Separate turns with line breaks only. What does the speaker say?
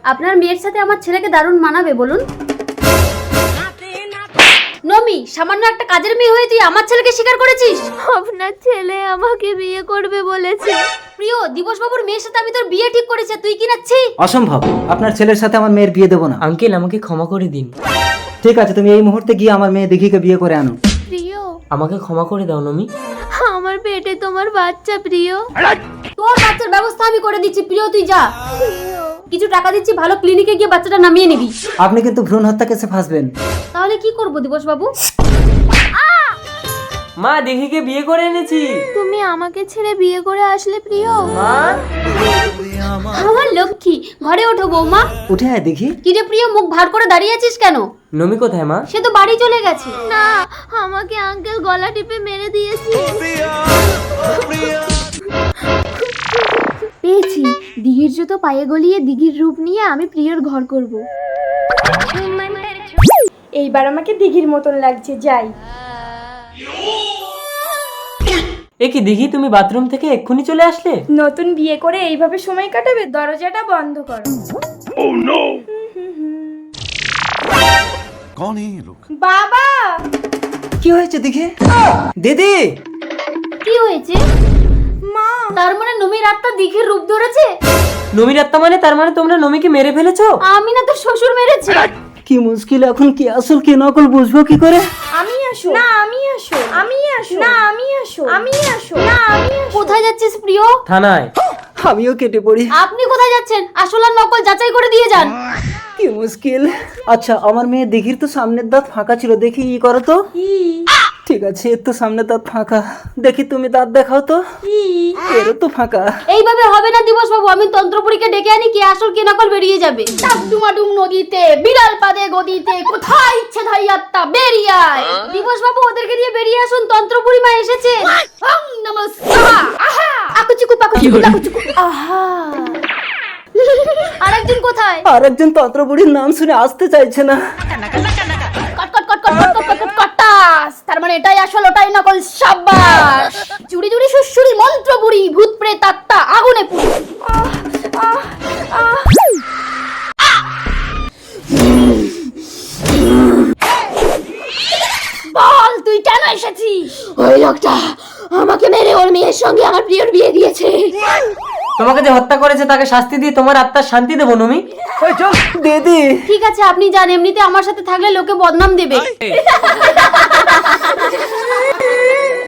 আপনার মেয়ের সাথে আমার ছেলেকে দারুণ মানাবে বলুন। নমি, সামান্য একটা কাজের মেয়ে হয়ে তুই আমার ছেলেকে স্বীকার করেছিস?
আপনার ছেলে আমাকে বিয়ে করবে বলেছে।
প্রিয়, দিবস বাবুর মেয়ের সাথে আমি তোর বিয়ে ঠিক করেছি, তুই কি নাচ্ছি?
অসম্ভব, আপনার ছেলের সাথে আমার মেয়ের বিয়ে দেবো না।
আঙ্কেল আমাকে ক্ষমা করে দিন।
ঠিক আছে, তুমি এই মুহূর্তে গিয়ে আমার মেয়ে দিঘিকে বিয়ে করে আনো।
প্রিয়,
আমাকে ক্ষমা করে দাও নমি।
আমার পেটে তোমার বাচ্চা প্রিয়।
তোর বাচ্চার ব্যবস্থা আমি করে দিচ্ছি, প্রিয় তুই যা। কিছু টাকা দিচ্ছি, ভালো ক্লিনিকে গিয়ে বাচ্চাটা নামিয়ে নিবি।
আপনি কিন্তু ভ্রূণ হত্যা কেসে ফাঁসবেন।
তাহলে কি করব দিবস বাবু?
মা দিঘিকে বিয়ে করে এনেছি।
তুমি আমাকে ছেড়ে বিয়ে করে আসলে প্রিয়।
মা
আমার লক্ষ্মী, ঘরে ওঠো বৌমা।
উঠে আয় দেখি।
কি রে প্রিয়, মুখ ভার করে দাঁড়িয়ে আছিস কেন?
নমি কোথায় মা?
সে তো বাড়ি চলে গেছে।
না, আমাকে আঙ্কেল গলা টিপে মেরে দিয়েছে। পেয়েছি, দিঘির জুতো পায়ে গলিয়ে দিঘির রূপ নিয়ে আমি প্রিয়র ঘর করব।
এইবার আমাকে দিঘির মতন লাগছে, যাই।
এ কি দিঘি, তুমি বাথরুম থেকে এক্ষুনি চলে আসলে?
নতুন বিয়ে করে এইভাবে সময় কাটাবে? দরজাটা বন্ধ করো।
कौन है ये लोग?
বাবা,
কি হয়েছে দিঘি? দিদি,
কি হয়েছে?
মা,
তার মানে নমির আত্মা দিঘির রূপ ধরেছে?
নমির আত্মা মানে? তার মানে তোমরা নমিকে মেরে ফেলেছো?
আমি না, তোর শ্বশুর মেরেছে।
কি মুশকিল, এখন কি আসল কি নকল বুঝবো কি করে?
আমি আসো না, আমি আসো, আমি আসো না, আমি আসো, আমি আসো না, আমি আসো।
কোথায় যাচ্ছিস প্রিয়?
থানায়।
আমিও কেটে পড়ি।
আপনি কোথায় যাচ্ছেন? আসল আর নকল যাচাই করে দিয়ে যান।
কি মুশকিল। আচ্ছা, আমার মেয়ে দিঘির তো সামনের দাঁত ফাঁকা ছিল, দেখি ই করো তো। ঠিক আছে, এর তো সামনের দাঁত ফাঁকা, দেখি তুমি দাঁত দেখাও তো। এরও তো ফাঁকা।
এইভাবে হবে না দিবস বাবু, আমি তন্ত্রপুরীকে ডেকে আনি, কি আসল কি নকল বেরিয়ে যাবে। ডাবডুমাডুম নদীতে বিড়াল পাদে গদিতে, কোথায় ইচ্ছে ধাই আত্মা বেরিয়ে আয়। দিবস বাবু, ওদেরকে নিয়ে বেরিয়ে আসুন, তন্ত্রপুরী মা এসেছে। ওং নমঃ শিবায়। আহা আকুচুকু পাকুচুকু পাকুচুকু। আহা আরেকজন কোথায়?
আর একজন তন্ত্রপুরীর নাম শুনে আসতে চাইছে না।
কট কট কট কট কট কট কট কট কটাস। তার মানে এটাই আসল ওটাই নকল, সাবাস। চুরি চুরি সুসুরি মন্ত্র বুড়ি, ভূত প্রেত আত্মা আগুনে পুড়ি। বল, তুই কেন এসেছিস? ওই লোকটা আমাকে মেরে ওর মেয়ের সঙ্গে আমার প্রিয়র বিয়ে দিয়েছে।
তোমাকে যে হত্যা করেছে তাকে শাস্তি দিয়ে তোমার আত্মার শান্তি দেবো নমি।
ওই চল দিদি।
ঠিক আছে, আপনি যান, এমনিতে আমার সাথে থাকলে লোকে বদনাম দেবে।